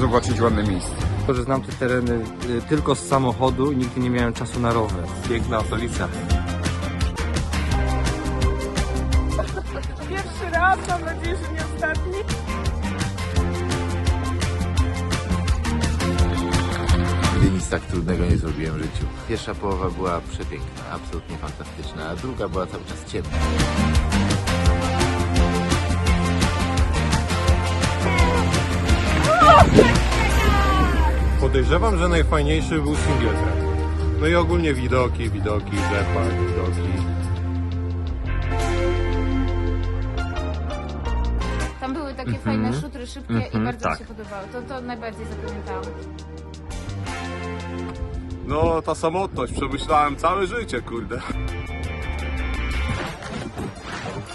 zobaczyć ładne miejsce. To, że znam te tereny tylko z samochodu i nigdy nie miałem czasu na rower. Piękna okolica. Pierwszy raz, mam nadzieję, że nie ostatni. Nigdy nic tak trudnego nie zrobiłem w życiu. Pierwsza połowa była przepiękna, absolutnie fantastyczna, a druga była cały czas ciemna. Podejrzewam, że najfajniejszy był single track. No i ogólnie widoki, rzepak, widoki. Tam były takie fajne szutry szybkie i bardzo mi się podobało. To najbardziej zapamiętałam. No, ta samotność, przemyślałem całe życie, kurde.